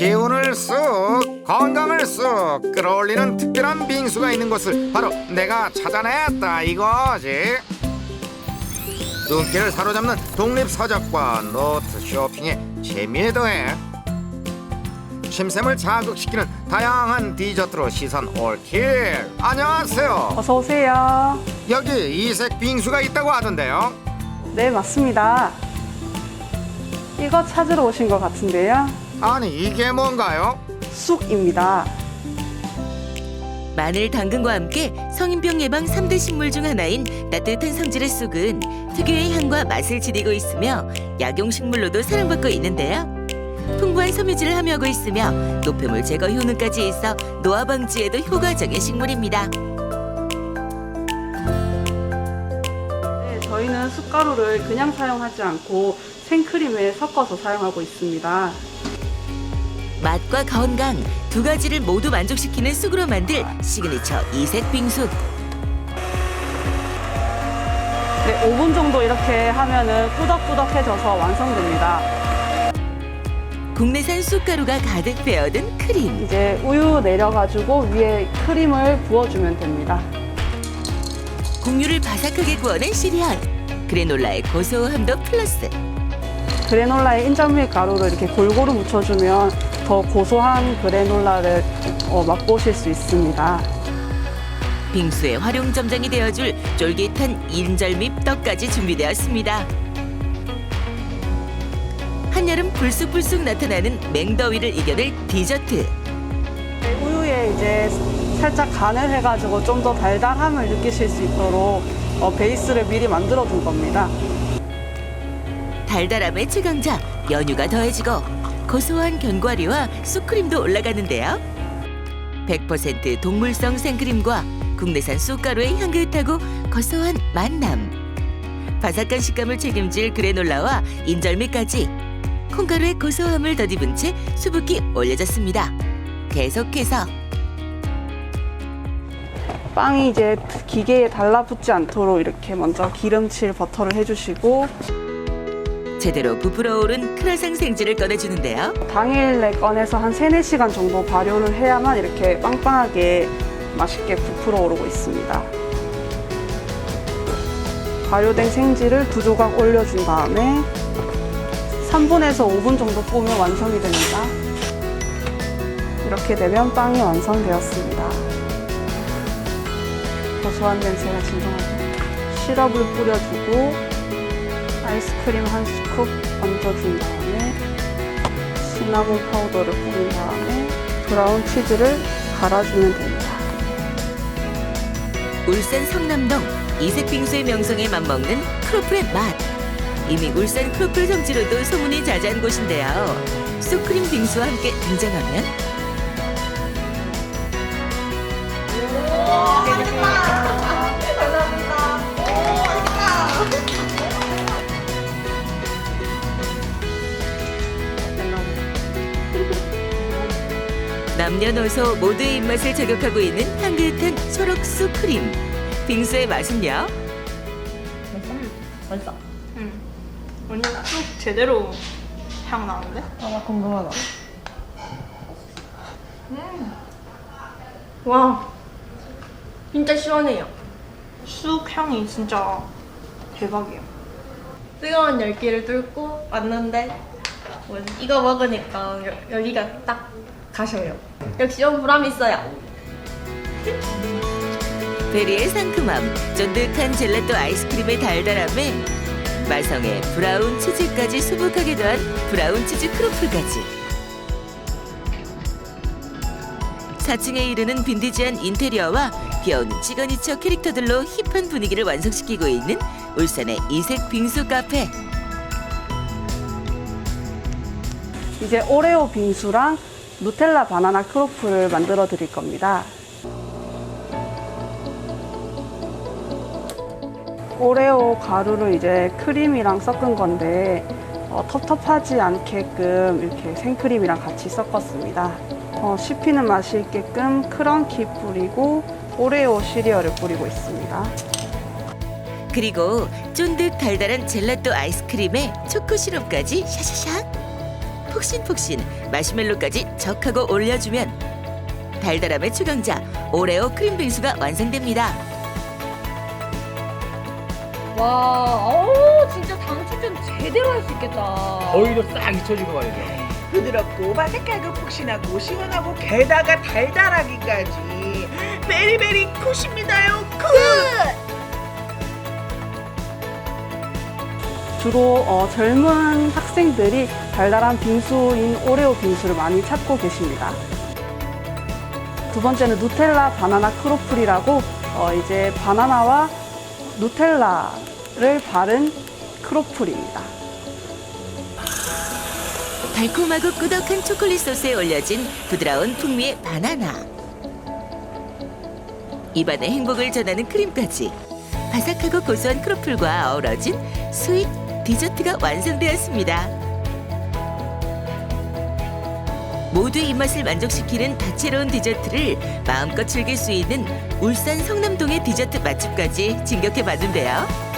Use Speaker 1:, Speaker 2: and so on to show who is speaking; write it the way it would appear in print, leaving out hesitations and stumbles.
Speaker 1: 기운을 쑥 건강을 쑥 끌어올리는 특별한 빙수가 있는 곳을 바로 내가 찾아냈다 이거지. 눈길을 사로잡는 독립서적과 노트 쇼핑에 재미에 더해 침샘을 자극시키는 다양한 디저트로 시선 올킬. 안녕하세요.
Speaker 2: 어서 오세요.
Speaker 1: 여기 이색 빙수가 있다고 하던데요.
Speaker 2: 네, 맞습니다. 이거 찾으러 오신 것 같은데요.
Speaker 1: 아니 이게 뭔가요?
Speaker 2: 쑥입니다.
Speaker 3: 마늘, 당근과 함께 성인병 예방 3대 식물 중 하나인 따뜻한 성질의 쑥은 특유의 향과 맛을 지니고 있으며 약용식물로도 사랑받고 있는데요. 풍부한 섬유질을 함유하고 있으며 노폐물 제거 효능까지 있어 노화 방지에도 효과적인 식물입니다.
Speaker 2: 네, 저희는 쑥가루를 그냥 사용하지 않고 생크림에 섞어서 사용하고 있습니다.
Speaker 3: 맛과 건강 두 가지를 모두 만족시키는 쑥으로 만들 시그니처 이색 빙수.
Speaker 2: 네, 5분 정도 이렇게 하면은 꾸덕꾸덕해져서 완성됩니다.
Speaker 3: 국내산 쑥가루가 가득 배어든 크림.
Speaker 2: 이제 우유 내려가지고 위에 크림을 부어주면 됩니다.
Speaker 3: 곡류를 바삭하게 구워낸 시리얼. 그래놀라의 고소함도 플러스.
Speaker 2: 그래놀라에 인절미 가루를 이렇게 골고루 묻혀주면 더 고소한 그래놀라를 맛보실 수 있습니다.
Speaker 3: 빙수의 활용 점장이 되어줄 쫄깃한 인절미 떡까지 준비되었습니다. 한여름 불쑥불쑥 나타나는 맹더위를 이겨낼 디저트.
Speaker 2: 우유에 이제 살짝 간을 해가지고 좀 더 달달함을 느끼실 수 있도록 베이스를 미리 만들어 둔 겁니다.
Speaker 3: 달달함의 최강자 연유가 더해지고 고소한 견과류와 쑥크림도 올라가는데요. 100% 동물성 생크림과 국내산 쑥가루의 향긋하고 고소한 만남, 바삭한 식감을 책임질 그래놀라와 인절미까지 콩가루의 고소함을 덧입은 채 수북히 올려졌습니다. 계속해서
Speaker 2: 빵이 이제 기계에 달라붙지 않도록 이렇게 먼저 기름칠 버터를 해주시고
Speaker 3: 제대로 부풀어 오른 크라상 생지를 꺼내주는데요.
Speaker 2: 당일에 꺼내서 한 3, 4시간 정도 발효를 해야만 이렇게 빵빵하게 맛있게 부풀어 오르고 있습니다. 발효된 생지를 2조각 올려준 다음에 3분에서 5분 정도 구우면 완성이 됩니다. 이렇게 되면 빵이 완성되었습니다. 고소한 냄새가 진동하죠. 시럽을 뿌려주고 아이스크림 한 스쿱 얹어준 다음에 시나몬 파우더를 뿌린 다음에 브라운 치즈를 갈아주면 됩니다.
Speaker 3: 울산 성남동 이색 빙수의 명성에 맞먹는 크로플의 맛. 이미 울산 크로플 성지로도 소문이 자자한 곳인데요. 쑥크림 빙수와 함께 등장하면 남녀노소 모두의 입맛을 저격하고 있는 향긋한 초록 쑥크림. 빙수의 맛은요?
Speaker 4: 맛있다. 언니 쑥 제대로 향 나는데?
Speaker 5: 나 궁금하다.
Speaker 4: 와, 진짜 시원해요. 쑥 향이 진짜 대박이에요. 뜨거운 열기를 뚫고 왔는데 이거 먹으니까 열기가 딱 가셔요. 역시 좀 보람 있어요.
Speaker 3: 베리의 상큼함, 쫀득한 젤라또 아이스크림의 달달함에 마성의 브라운 치즈까지 수북하게 더한 브라운 치즈 크로플까지 4층에 이르는 빈티지한 인테리어와 귀여운 시그니처 캐릭터들로 힙한 분위기를 완성시키고 있는 울산의 이색 빙수 카페.
Speaker 2: 이제 오레오 빙수랑 누텔라 바나나 크로플을 만들어 드릴 겁니다. 오레오 가루를 이제 크림이랑 섞은 건데 텁텁하지 않게끔 이렇게 생크림이랑 같이 섞었습니다. 씹히는 맛이 있게끔 크런키 뿌리고 오레오 시리얼을 뿌리고 있습니다.
Speaker 3: 그리고 쫀득 달달한 젤라또 아이스크림에 초코 시럽까지 샤샤샥. 폭신폭신 마시멜로까지 적하고 올려주면 달달함의 최강자 오레오 크림 빙수가 완성됩니다.
Speaker 5: 와, 진짜 당 충전 제대로 할 수 있겠다.
Speaker 6: 더위도 싹 잊혀지고 말이죠.
Speaker 7: 부드럽고 바삭하고 폭신하고 시원하고 게다가 달달하기까지 베리베리 굿입니다요. 굿!
Speaker 2: 주로 젊은 학생들이 달달한 빙수인 오레오 빙수를 많이 찾고 계십니다. 두 번째는 누텔라 바나나 크로플이라고 이제 바나나와 누텔라를 바른 크로플입니다.
Speaker 3: 달콤하고 꾸덕한 초콜릿 소스에 올려진 부드러운 풍미의 바나나. 입안에 행복을 전하는 크림까지 바삭하고 고소한 크로플과 어우러진 스윗 디저트가 완성되었습니다. 모두의 입맛을 만족시키는 다채로운 디저트를 마음껏 즐길 수 있는 울산 성남동의 디저트 맛집까지 진격해 봤는데요.